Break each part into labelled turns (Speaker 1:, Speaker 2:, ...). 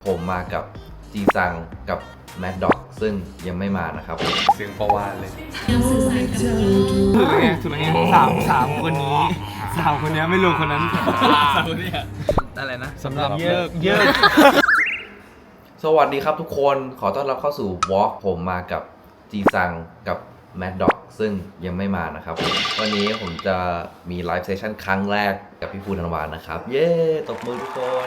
Speaker 1: ผมมากับจีซังกับแมดด็อกซึ่งยังไม่มานะครับ
Speaker 2: เสียงประวานเลย
Speaker 3: ถูกไงสามคนนี้ไม่รวมคนนั้นสามคนนี้อะไรนะ
Speaker 2: สำหรับเยอะ
Speaker 1: สวัสดีครับทุกคนขอต้อนรับเข้าสู่ Walk ผมมากับจีซังกับแมดด็อกซึ่งยังไม่มานะครับวันนี้ผมจะมีไลฟ์เซสชั่นครั้งแรกกับพี่ภูธันวานะครับเย้ตบมือทุกคน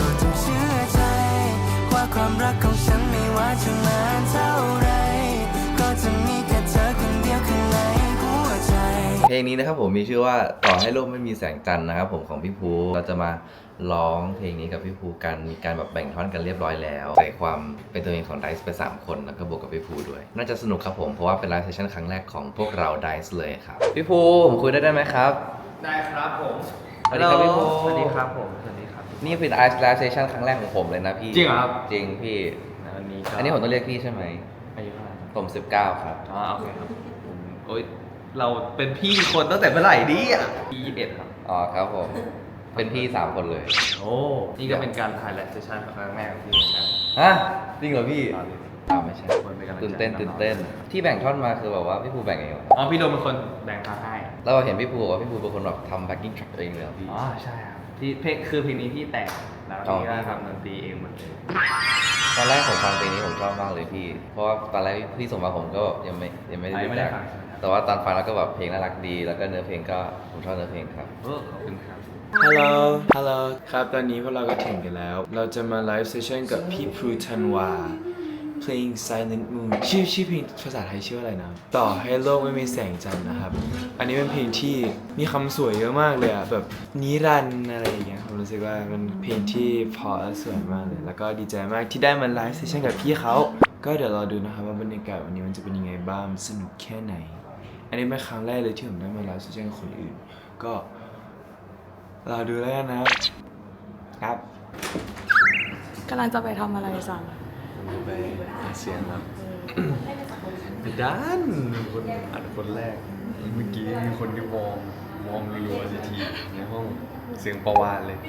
Speaker 4: ความรักของฉันไม่ว่าจะนานเท่าไรก็จะมีแค่เธอคนเดียวข้างในหัวใจ
Speaker 1: เพลงนี้นะครับผมมีชื่อว่าต่อให้โลกไม่มีแสงจันทร์นะครับผมของพี่ภูเราจะมาร้องเพลงนี้กับพี่ภูกันมีการแบบแบ่งท่อนกันเรียบร้อยแล้วใส่ความเป็นตัวเองของ Dice ไป3คนแล้วก็บวกกับพี่ภูด้วยน่าจะสนุกครับผมเพราะว่าเป็นไลฟ์เซสชั่นครั้งแรกของพวกเรา Dice เลยครับพี่ภูผมคุยได้ไหมครับ
Speaker 3: ได้ครับผม
Speaker 1: สวัสดีครับพี่ภู
Speaker 3: สวัสดีครับผมสวัสดีครับ
Speaker 1: นี่เป็นไลฟ์เซสชั่นครั้งแรกของผมเลยนะพี่
Speaker 3: จริงเหรอครับ
Speaker 1: จริงพี่
Speaker 3: อันนี้
Speaker 1: ผมต้องเรียกพี่ใช่ไหม
Speaker 3: อายุเท่าไหร่
Speaker 1: ผม19ครับ
Speaker 3: อ๋อโอเคครับโอ๊ยเราเป็นพี่คนตั้งแต่เมื่อไหร่ดิพี่21ครับ
Speaker 1: อ๋อครับผมเป็นพี่3คนเลย
Speaker 3: โอ้นี่ก็เป็นการถ่ายไลฟ์เซสชั่นครั้งแรกของพี่เหมือนกัน
Speaker 1: ฮะจริงเหรอพี่ไม่ใช่ตื่นเต้นที่แบ่งท่อนมาคือแบบว่าพี่ภูแบ่งเองเหรอ
Speaker 3: อ๋อพี่โดมเป็นคนแบ่งท่อนให้
Speaker 1: แล้วเราเห็นพี่ภูบอกว่าพี่ภูเป็นคนแบบทำแบ็คกิ้งทรัคเองเลยเหรอพี่
Speaker 3: อ๋อใช่ครับที่เพลงนี้พี่แต่งแล้วพี่ก็ทำดนตรีเองหมดเลย
Speaker 1: ตอนแรกผมฟังเพลงนี้ผมชอบมากเลยพี่เพราะว่าตอนแรกพี่ส่งมาผมก็ยังไม่ได้รู้จักแต่ว่าตอนฟังแล้วก็แบบเพลงน่ารักดีแล้วก็เนื้อเพลงก็ผมชอบเนื้อเพลงครับ
Speaker 3: ขอบคุณครับ
Speaker 2: ฮัลโหลครับตอนนี้พวกเราก็ถึงกันแล้วเราจะมาไลฟ์เซสชั่นกับพี่ภูธันวาเพลง Silent Moon ชื่อเพลงภาษาไทยชื่ออะไรนะต่อให้โลกไม่มีแสงจันทร์นะครับอันนี้เป็นเพลงที่มีคำสวยเยอะมากเลยอะแบบนิรันดร์อะไรอย่างเงี้ยผมรู้สึกว่าเป็นเพลงที่เพราะและสวยมากเลยแล้วก็ดีใจมากที่ได้มาไลฟ์เซสชั่นกับพี่เขาก็เดี๋ยวรอดูนะครับว่าบรรยากาศวันนี้มันจะเป็นยังไงบ้างสนุกแค่ไหนอันนี้เป็นครั้งแรกเลยที่ผมได้มาไลฟ์เซสชั่นกับคนอื่นก็รอดูแล้วกันนะครับ
Speaker 5: กำลังจะไปทำอะไรสั่ง
Speaker 2: ไปเสียงครับด้านคนอัดคนแรกเมื่อกี้มีคนที่มองรัวๆทีในห้องเสียงประวานเลย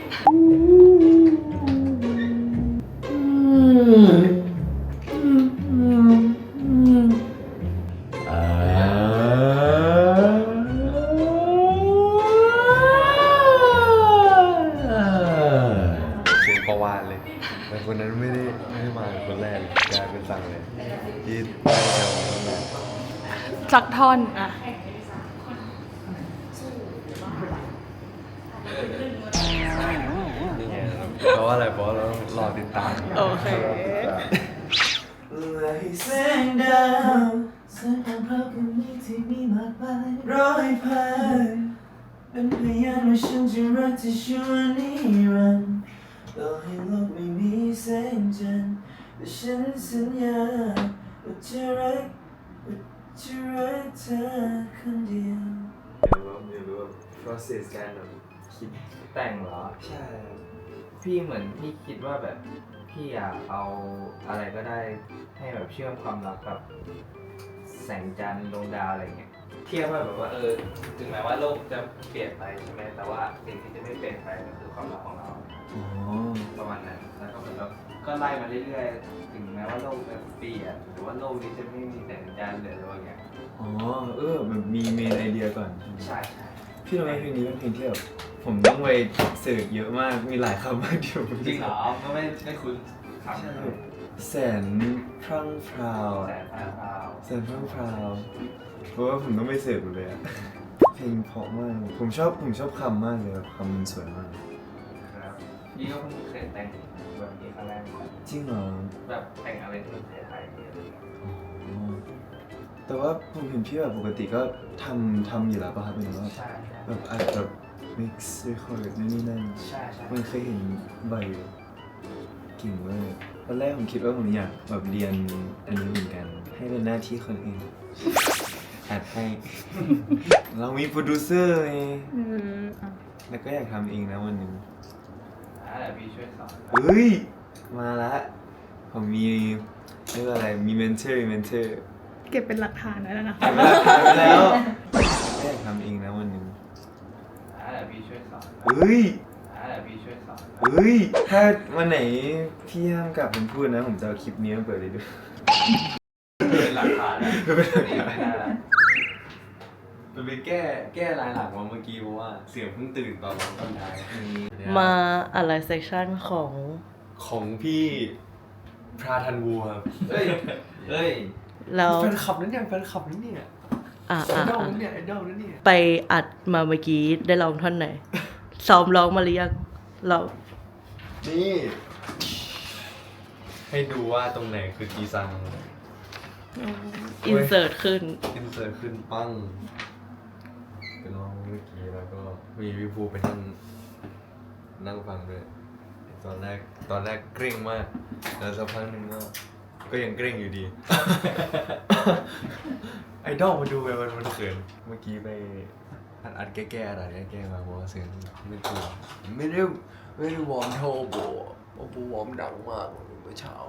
Speaker 2: แต่คนนั้นไม่ได้มาคนแรกกลายเป็นสั่งเลยที่ได้แถวนั้น
Speaker 5: สักท่อนอ่ะ
Speaker 2: เพราะว่าอะไรเพราะเรารอติดตาม
Speaker 5: โอเค
Speaker 4: แสงดาวแสงของพระคนนี้ที่มีมากมายร้อยพันเป็นพยานว่าฉันจะรักเธอชั่วนิรันดร์ต่อให้โลกไม่มีแสงจันทร์แต่ฉันสัญญาว่าจะรักเธอคนเดียว
Speaker 2: ไม่รู้ว่า process การแบบคิด
Speaker 3: แต่งเหรอ
Speaker 2: ใช่
Speaker 3: พี่เหมือนพี่คิดว่าแบบพี่อยากเอาอะไรก็ได้ให้แบบเชื่อมความรักกับแสงจันทร์ดวงดาวอะไรเงี้ยเทียบว่าแบบว่าถึงแม้ว่าโลกจะเปลี่ยนไปใช่ไหมแต่ว่าสิ่งที่จะไม่เปลี่ยนไปก็คือความรักของเราประมาณนั้นแล้วก็เหมือนแบบก็ไล่มาเรื่อยๆถึงแม้ว่าโลกจะเปลี่ยนหรือว่าโลกนี้จะไม่มีแสงจันทร์หรืออะไรอย่างเงี้ย
Speaker 2: แบบมีเมนไอเดียก่อน
Speaker 3: ใช่
Speaker 2: พี่รู้ไหมเพลงนี้เป็นเพลงที่แบบผมต้องไปเสิร์ชเยอะมากมีหลายคำมากที่ผม
Speaker 3: จริงเหรอก็ไม่คุ้นคำ
Speaker 2: แสนพรั่งพราวเพราะว่าผมต้องไปเสิร์ชเลยอะเพลงเพราะมากผมชอบคำมากเลยคำมันสวยมาก
Speaker 3: ครับนี่ก็เพิ่งเคยแต่งแบบนี้ครั้งแรก
Speaker 2: จริงเหรอ
Speaker 3: แบบแต่งอะไรที่มันไทยๆเนี่ย
Speaker 2: แต่ว่าผมเห็นพี่แบบปกติก็ทำอยู่แล้วป่ะครับเป็นว่าแบบอาจจะmix record นี่นั่น
Speaker 3: ใช่
Speaker 2: มันเคยเห็นบ่อยเก่งมากตอนแรกผมคิดว่าผมอยากแบบเรียนอันนี้เหมือนกันให้เป็นหน้าที่คนอื่นอัดให้เรามีโปรดิวเซอร์ไงแล้วก็อยากทำเองนะวันหนึ่ง
Speaker 3: พี่ช่วยสอน
Speaker 2: เฮ้ยมาละผมมีเรียกว่าอะไรมีเมนเทอร์
Speaker 5: เก็บเป็นหลักฐานไว้แล้วนะ
Speaker 2: เก็บเป็นหลักฐานไว้แล้วอยากทำเองนะวันหนึ่ง
Speaker 3: พี่ช่วยสอน
Speaker 2: เฮ้ย
Speaker 3: แหละพี่ช่วยสอน
Speaker 2: เฮ้ย ถ้าวันไหนพี่ห้ามกลับผมพูดนะ ผมจะเอาคลิปนี้มาเปิดเลยด้วย
Speaker 3: เป็นหลักฐานนะ
Speaker 2: เป็นหลักฐาน
Speaker 3: ไม่ได้ละ
Speaker 2: มันไปแก้ลายหลังมาเมื่อกี้เพราะว่าเสียงเพิ่งตื่นตอนร้องตอนท้าย
Speaker 6: มาอะไรเซสชั่นของ
Speaker 2: ของพี่พราทันวูครับ
Speaker 3: เฮ้ย เฮ้ย
Speaker 6: เรา
Speaker 2: แฟนคลับนั่นเนี่ยแฟนคลับนั่นเนี่ย
Speaker 6: อ่า
Speaker 2: ไอดอลนั่นเนี่ยไอดอลนั่นเนี่ย
Speaker 6: ไปอัดมาเมื่อกี้ได้ร้องท่อนไหน ซ้อมร้องมาหรือยังเรา
Speaker 2: นี่ ให้ดูว่าตรงไหนคือกีซัง
Speaker 6: อินเสิร์ตขึ้น
Speaker 2: อินเสิร์ตขึ้นปั้งไปลองเมื่อกี้แล้วก็มีพี่ภูไปนั่งฟังด้วยตอนแรกเกรงมากแล้วสักพักหนึ่งก็ยังเกรงอยู่ดี ไอดอลมาดูไปมันเขินเมื่อกี้ไปอัดแก้อะไรแก้มาเพราะว่าเสียงไม่ถูกไม่ได้วอร์มเท่าโบวอร์มดังมากเมื่อเช้า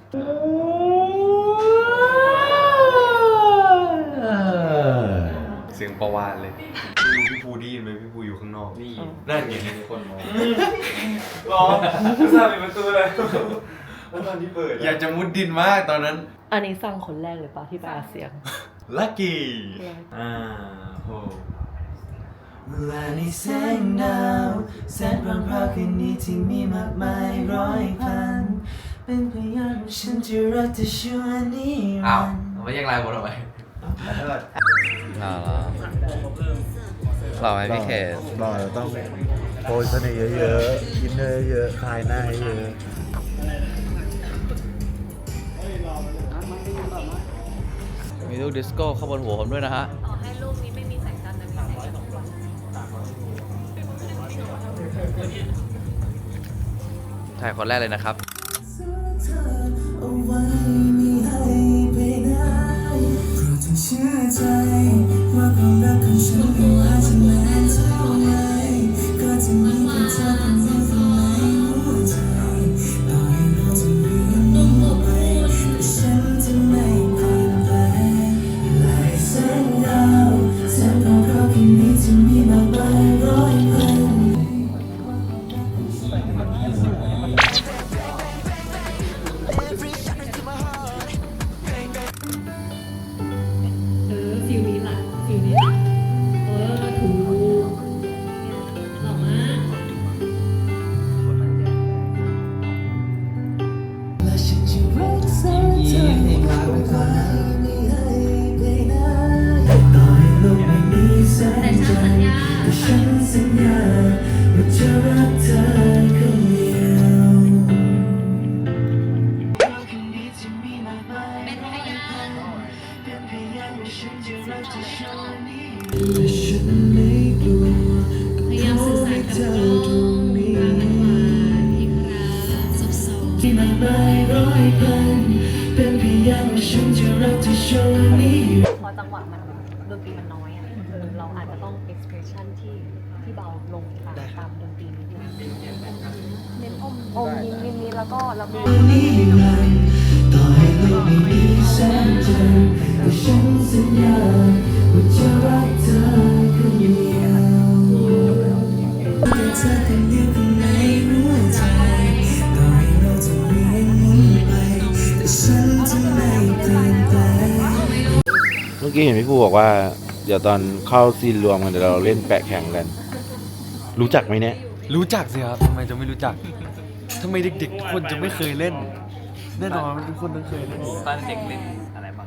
Speaker 2: เสียงประวานเลยไม่รู้พี่ภูได้ยินไหมพี่ภูอยู่ข้างนอก
Speaker 3: นี่
Speaker 2: นั่นไง
Speaker 3: มีคนมอง
Speaker 2: รออุตส่าห์ปิดประตูเลยแล้วตอนที่เปิดอยากจะมุดดินมากตอนนั้น
Speaker 6: อันนี้ฟังคนแรกเลยปะที่ไปอัดเสียง
Speaker 2: ลัคกี้โห
Speaker 4: เมื่อวานนี้แสงดาวแสนพรำพราวคืนนี้ที่มีมากมายร้อยพันเป็นพยานว่าฉันจะรักเธอชั่วนิ
Speaker 1: อ้า
Speaker 4: รั
Speaker 1: วน
Speaker 4: ดร์
Speaker 1: ไม่แยกลายหมดทำไม
Speaker 2: ขอโทษ
Speaker 1: เราไหมพี่เคส
Speaker 7: หล่อเราต้องโปรยเสน่ห์เยอะๆอินเนอร์เยอะคลายหน้าให้เยอะ
Speaker 1: มีลูกดิสโก้เข้าบนหัวผมด้วยนะฮะ
Speaker 5: ต่อให้ลูกนี้ไม่มีแสงจันทร์แต่มีแสงจันทร์
Speaker 1: ถ่ายคนแรกเลยนะครับ
Speaker 4: เอาไว้ไม่ให้ไปไหนโปรดจงเชื่อใจว่าความรักของฉันไม่ว่าจะนานเท่าไหร่ก็จะมีแค่เธอคนเดียวข้างในหัวใจต่อให้โลกจะเปลี่ยนไปแต่ฉันจะไม่เปลี่ยนแปลงลายแสงดาวแสงของเราคืนนี้จะมีมากมายร้อยพัน
Speaker 5: ฟิลนี้แหละฟิลนี้แหละถูกหล่อมาก
Speaker 4: และฉันจะรักษาเธอให้ไว้ไม่ให้ไปไหนต่อให้โลกไม่มีแสงจันทร์แต่ฉันสัญญาว่าจะรักเธอคนเดียวเป็นพยานว่าฉันจะรักเธอชั่วนิรันดร์และฉันไม่กลัว
Speaker 5: พยายามสื่อสารกับกล้องตามจังหวะอีกครั้งซบ
Speaker 4: ที่มากมายร้อยพันเป็นพยานว่าฉันจะรักเธอชั่วนิรันดร์
Speaker 8: พอจังหวะมันดนตรีมันน้อยอ่ะเราอาจจะต้อง expression ที่เบาลงตามดนตรีนิดนึงเน้นอมยิ้มนิดๆแล้วก็แล้วก็
Speaker 4: นิรันดร์ต่อให้โลกไม่มีแสงจันทร์แต่ฉันสัญญาว่าจะรักเธอคนเดียวแต่เธอคนเดียวข้างในหัวใจต่อให้โลกจะเปลี่ยนหมุนไปแต่ฉันจะไม่เปลี่ยนแปลง
Speaker 7: เมื่อกี้เห็นพี่ภูบอกว่า เดี๋ยวตอนเข้าซีนรวมกันเดี๋ยวเราเล่นแปะแข่งกัน รู้จักไหมเนี่ย
Speaker 2: รู้จักสิครับทำไมจะไม่รู้จักทำไมเด็กๆทุกคนจะไม่เคยเล่น แน่นอนทุกคนต้องเคยเล่นอยู่
Speaker 3: ตอนเด็กเล่นอะไรบ้าง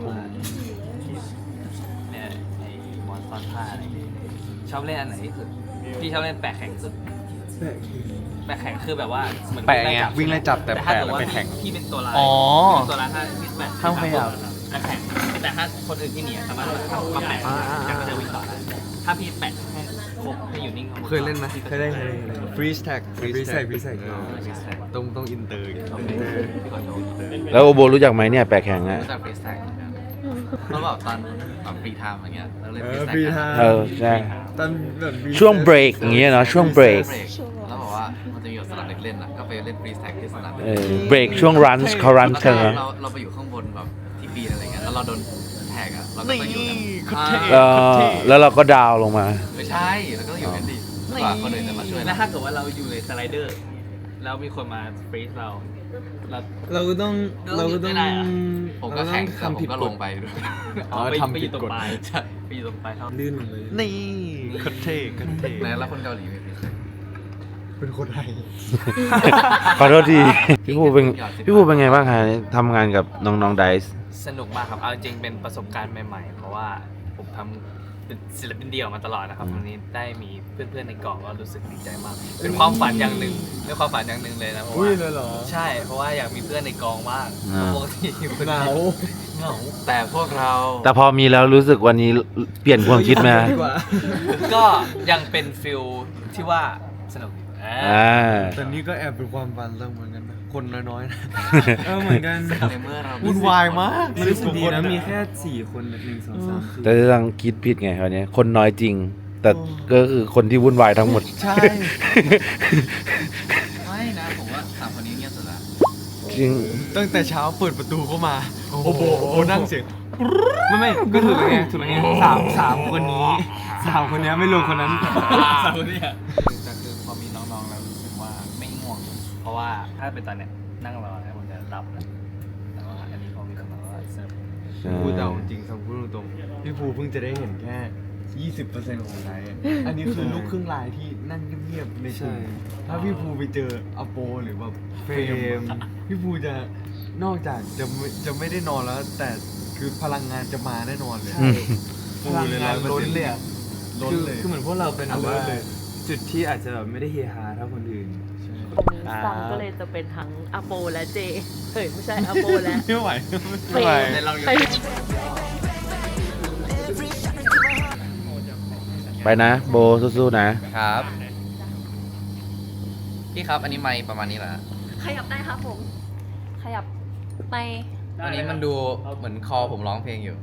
Speaker 3: เนี่ยไอ้มอนซ่อนผ้าอะไรเนี่ยชอบเล่นอันไหนที่สุด พี่ชอบเล่นแปะแข่งสุด แปะแข่งคือแบบว่าเหมือน
Speaker 2: แปะไงวิ่งไล่จับแต่
Speaker 3: ถ้า
Speaker 2: แปะ
Speaker 3: เกิด
Speaker 2: แล้ว
Speaker 3: ว่า
Speaker 2: ไปแข่ง
Speaker 3: พี่เป็นตัวร้าย
Speaker 2: อ๋อ
Speaker 3: พี่เป็นตัวร้ายถ้าพี่แปะ
Speaker 2: ห้ามขยับ
Speaker 3: แปะแข่งแต่ถ้าคนอื่นที่หนีอะสามารถมาแปะแล้วก็จะวิ่งต่อได้ถ้าพี่แปะให้ครบให้อยู่นิ่งข้างบ
Speaker 2: เคยเล่นไหมเคยเล่นฟรีสแท็กฟรีสแท็กต้องอินเตอร์
Speaker 7: แล้วโอโบรู้จักไหมเนี่ยแปะแข่งอะ
Speaker 1: รู้จักฟรีสไตล์แล้วแบบตอนฟรีไทม์อย่างเงี้ยเราเล่นฟรีสไต
Speaker 2: ฟรี
Speaker 1: ล์
Speaker 2: ไท
Speaker 7: เอ
Speaker 2: ม์
Speaker 7: อใช่
Speaker 2: ตอนแบบ
Speaker 7: ช่วงเบรกอย่างเงี้ยเนาะช่วงเบรก
Speaker 1: แล้วบอกว่ามันจะมีแบบสนามเด็กเล่นอ่ะก็ไปเล่นฟรีสไตล์ที่สนามเด็ก
Speaker 7: เออเบรกช่วงรันเขารันกันนะ
Speaker 1: เราไปอยู่ข้างบนแบบที่ปีนอะไรเงี้ยแล้วเราโดนแท็กอ่ะเราก็ต้องอยู่กัน
Speaker 7: แล้วเราก็ดาวลงมา
Speaker 1: ไม่ใช่เราก็ต้องอยู่กันดิกว่าคนอื่นจะมาช่วย
Speaker 3: แล้ว
Speaker 1: เรา
Speaker 3: ถ้าเกิดว่าเราอยู่ในสไลเดอร์ แล้วมีคนมาฟรีซเรา
Speaker 2: เราก็ต้อง
Speaker 3: ไม่ได้อะ
Speaker 1: ผมก็แข่งแต่ผมก็ลงไปด้วย
Speaker 3: ไปอยู่ตรงปลายใช่ไปอยู่ตรงปลายท่อ
Speaker 2: ลื่นลงเลย
Speaker 7: นี่คันเท่คันเท่
Speaker 1: แล้วคนเกาหลีไม่เป็น
Speaker 2: เป็นคนไทย
Speaker 7: ขอโทษที พี่ภูเป็นไงบ้างฮะทำงานกับน้องๆไดซ์
Speaker 3: สนุกมากครับ เอาจริงๆเป็นประสบการณ์ใหม่ๆ เพราะว่าผมทำเป็นศิลปินเดี่ยวมาตลอดนะครับวันนี้ได้มีเพื่อนๆในกองก็รู้สึกดีใจมาก เป็นความฝันอย่างหนึ่งเป็นความฝันอย่างหนึ่งเลยนะเพราะ
Speaker 2: อุ้
Speaker 3: ว่าย
Speaker 2: เลยเหรอ
Speaker 3: ใช่เพราะว่าอยากมีเพื่อนในกองมากปกติอยู่คน
Speaker 2: เห
Speaker 3: เดี
Speaker 2: งา
Speaker 3: ยวเหงา
Speaker 1: แต่พวกเรา
Speaker 7: แต่พอมีแล้วรู้สึกวันนี้เปลี่ยนความคิดไหม
Speaker 2: ดีกว่า
Speaker 3: ก็ยังเป็นฟิลที่ว่าสนุก
Speaker 7: อ่า
Speaker 2: แต่นี่ก็แอบเป็นความฝันเราเหมือนกันนะ คนน้อยๆนะ เหมือนกัน
Speaker 1: ในเมื่อเรา
Speaker 2: วุ่นวายมาก
Speaker 9: มันรู้สึกดีนะมีแค่ 4 คน1 2 3 4
Speaker 7: แต่ยังคิดผิดไงวันนี้คนน้อยจริง แต่ก็คือคนที่วุ่นวายทั้งหมด
Speaker 2: ใช่
Speaker 1: ไม่นะผมว่าสามคนนี้เงียบสุดละ
Speaker 7: จริง
Speaker 2: ตั้งแต่เช้าเปิดประตูเข้ามา โอ้โหนั่งเสียง
Speaker 9: ไม่ก็ถูกแล้วไงถูกแล้วไงสามคนนี้3 คนนี้ไม่รวมคนนั้น
Speaker 3: สามคนเนี่ยแต่คือพอมีน้องๆแล้วรู้สึกว่าไม่ง่วง เพราะว่าถ้าเป็นตอนเนี้ยนั่งรอแล้วผมจะหลับแล้วแต่ว่าอันนี้พอมีน้องๆแล้วสนุก
Speaker 2: พูดแต่จริงๆพูดตรงๆพี่ภูเพิ่งจะได้เห็นแค่ 20% ของไลฟ์อันนี้คือลูกครึ่งลายที่นั่งเงียบๆในกลุ่มถ้าพี่ภูไปเจออโปหรือแบบเฟรมพี่ภูจะนอกจากจะไม่ได้นอนแล้ว แต่คือพลังงานจะมาแน่นอนเลย
Speaker 7: อืม
Speaker 2: ฟูเลย100%ล้นเลยอะล้นเลย
Speaker 9: คือเหมือนพวกเราเป็นแบบว่า
Speaker 2: ล้นเลย
Speaker 9: จุดที่อาจจะแบบไม่ได้เฮฮาเท่าคนอื่น
Speaker 6: วันนี้ซังก็เลยจะเป็นทั้งอโปและเจเฮ้ยไม่ใช่อโปและ
Speaker 2: ไม่ไหว
Speaker 6: เฟรม
Speaker 3: ในเราอยู่
Speaker 7: ไปนะโบสู้ๆนะ
Speaker 1: ครับ พี่ครับ อันนี้ไมค์ประมาณนี้เหรอ
Speaker 8: ขยับได้ครับผม ขยับไป
Speaker 1: อันนี้มันดูเหมือนคอผมร้องเพลงอยู่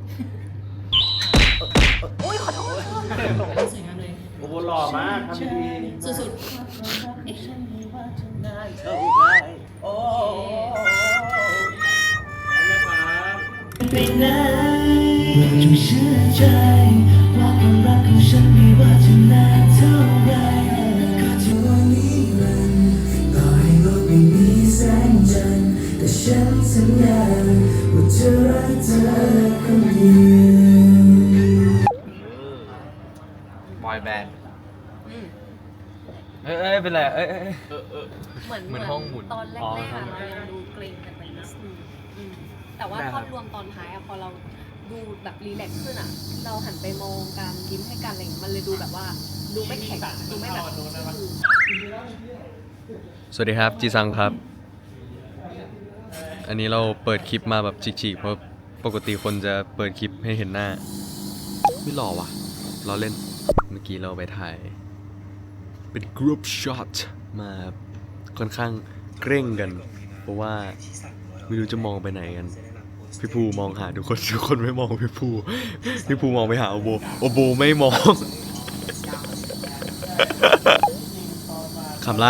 Speaker 8: อุ้ยขอโทษ
Speaker 5: สวยงามเลย
Speaker 9: โอ้โหหล่อมากทำดี
Speaker 5: สุด
Speaker 4: ไปไหนเราจงเชื่อใจว่าความรักของฉันไม่ว่าจะนานเท่าไรก็จะวันนี้มันต่อให้โลกไม่มีแสงจันทร์แต่ฉันสัญญาว่าจะรักเธอคนเดียว
Speaker 1: บอยแบนด์
Speaker 9: เอ้ยเป็นไรเอ้ย
Speaker 8: เหมือนห้องหมุนตอนแรกๆอะเรายังดูเกรงกันไปนิดนึงแต่ว่าภาพรวมตอนท้ายอะพอเราดูแบบรีแลกซ์ขึ้นอะเราหันไปมองกันยิ้มให้กันอะไรอย่างเงี้ยมันเลยดูแบบว่าดูไม่แข็งดูไม่แบบ
Speaker 10: สวัสดีครับจีซังครับ อันนี้เราเปิดคลิปมาแบบฉีกๆเพราะปกติคนจะเปิดคลิปให้เห็นหน้าไม่หล่อว่ะเราเล่นเมื่อกี้เราไปถ่ายเป็นกรุ๊ปช็อตมาค่อนข้างเกร่งกัน เพราะว่าไม่รู้จะมองไปไหนกันพี่ภูมองหาทุกคนไม่มองพี่ภูมองไปหาโอโบไม่มองขำไร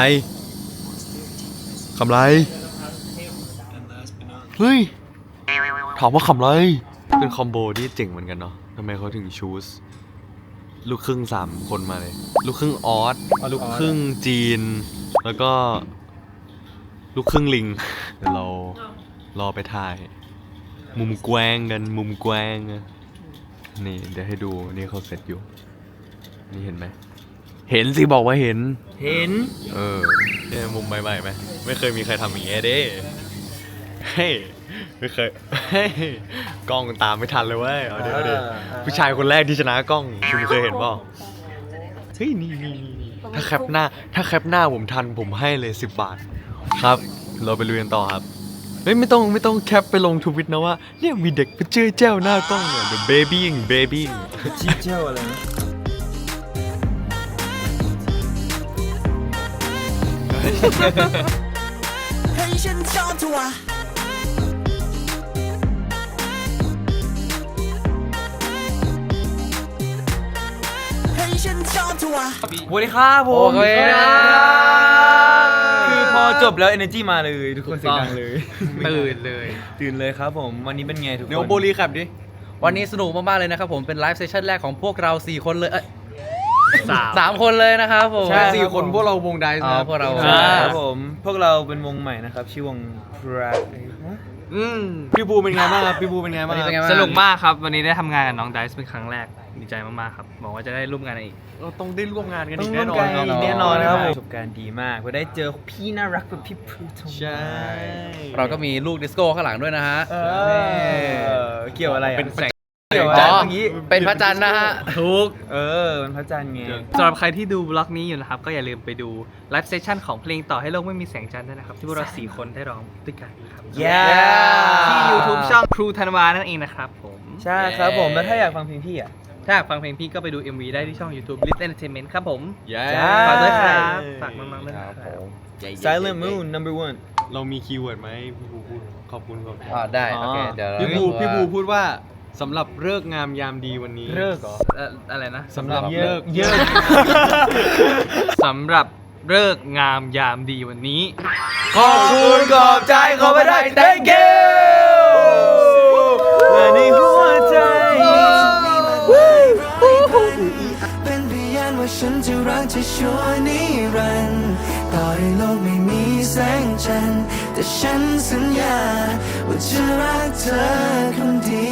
Speaker 10: เฮ้ยถามว่าขำไรเป็นคอมโบที่เจ๋งเหมือนกันเนาะทำไมเขาถึงชูสลูกครึ่ง3 คนมาเลย ลูกครึ่งออสลูกครึ่งจีน แล้วก็ลูกครึ่งลิง เดี๋ยวเรารอไปถ่าย มุมแกว้งกันมุมแกว้งนี่เดี๋ยวให้ดูนี่เขาเสร็จอยู่ นี่เห็นไหมเห็นสิบอกว่าเห็น
Speaker 9: เห็น
Speaker 10: เนี่ยมุมใหม่ๆไหมไม่เคยมีใครทำอย่างเงี้ยเด้เฮ้ยไม่เคยเฮ้ยกล้องตามไม่ทันเลยเว้ยเอาเดี๋ยวผู้ชายคนแรกที่ชนะกล้องคุณเคยเห็นเปล่าเฮ้ยนี่ถ้าแคปหน้าผมทันผมให้เลย10 บาทครับ เราไปลุยกันต่อครับเฮ้ยไม่ต้องแคปไปลงทวิตนะว่าเนี่ยมีเด็กไปเจอแจ้วหน้ากล้องเนี่ย The babying
Speaker 9: ชี้เจ้าอะไรนะ
Speaker 4: ให้ฉันชอบเธอวะให้ฉันชอบเธอวะ
Speaker 9: สวัสดีครับผม
Speaker 1: โอเค
Speaker 9: คือพอจบแล้ว energy มาเลย ทุกคนเสียงดังเลย
Speaker 3: ตื่นเลย
Speaker 9: ตื่นเลยครับผม วันนี้เป็นไงทุกคน
Speaker 3: เดี๋ยวโบลีครับดิ วันนี้สนุกมากๆเลยนะครับผม เป็นไลฟ์เซสชั่นแรกของพวกเรา 4 คนเลย
Speaker 9: 3 คนเลยนะครับผม
Speaker 2: ใช่
Speaker 10: สี่คนพวกเราวงไดซ์
Speaker 9: อ๋อ
Speaker 10: นะ
Speaker 9: พวกเรา
Speaker 2: ใช่ครับผม พวกเราเป็นวงใหม่นะครับ ชื่อวง
Speaker 10: พี่บูเป็นไงบ้างครับพี่บูเป็นไงบ้างครับ
Speaker 9: สนุกมากครับ วันนี้ได้ทำงานกับน้องไดซ์เป็นครั้งแรก ดีใจมากๆครับบอกว่าจะได้ร่วมงานกันอีก
Speaker 10: เราต้องได้ร่วมงานกัน
Speaker 2: ต้อ
Speaker 10: อี
Speaker 2: ง
Speaker 10: ก
Speaker 2: ร่
Speaker 10: แน่
Speaker 2: วม
Speaker 10: นอน
Speaker 2: กันแน่นอนนะครับประสบการณ์ดีมากเราได้เจอพี่น่ารักแบบพี่พลูท
Speaker 10: ใช่
Speaker 9: เราก็มีลูกดิสโก้ข้างหลังด้วยนะฮะ
Speaker 2: เกี่ยวอะไรอ่ะ
Speaker 10: เป็นแสง
Speaker 2: เกี่ยวอะไร
Speaker 9: อ๋อ
Speaker 2: เมื่อกี้
Speaker 9: เป็นพระจันทร์นะฮะถูก
Speaker 2: เป็นพระจันทร์ไง
Speaker 11: สำหรับใครที่ดูบล็อกนี้อยู่นะครับ ก็อย่าลืมไปดูไลฟ์เซสชั่นของเพลงต่อให้โลกไม่มีแสงจันทร์ด้วยนะครับ ที่พวกเรา 4 คนได้ร้องด้วยกันนะครับ ที่ YouTube ช่องครูธันวานั่นเองนะครับผม
Speaker 2: ใช่ครับผม แล้วถ้าอยากฟังเพลงพี่อ่ะ
Speaker 11: ถ้าอยากฟังเพลงพี่ก็ไปดู MV ได้ที่ช่อง YouTube Lit Entertainment ครับผม
Speaker 10: เย้
Speaker 11: ฝากด้วยครับ ฝากน้องๆด้วยนะครับ
Speaker 2: Silent Moon number 1
Speaker 10: เรามีคีย์เวิร์ดไหมพี่บูพูดขอบคุณครับ
Speaker 9: ได้ โอเค เดี๋ยว
Speaker 10: พี่บูพูดว่าสำหรับฤกษ์งามยามดีวันนี้
Speaker 2: เลิกเหรอ
Speaker 11: อะไรนะ
Speaker 10: สำหรับ
Speaker 2: เย
Speaker 10: เลิ
Speaker 2: อะ
Speaker 10: กษ์
Speaker 2: เยอะ
Speaker 11: สำหรับฤกษ์งามยามดีวันนี้
Speaker 2: ขอบคุณขอบใจขอไม่ได้ thank you และในหัวใจ
Speaker 4: เป็นพยานว่าฉันจะรักเธอชั่วนิรันดร์ต่อให้โลกไม่มีแสงจันทร์แต่ฉันสัญญาว่าจะรักเธอคนเดี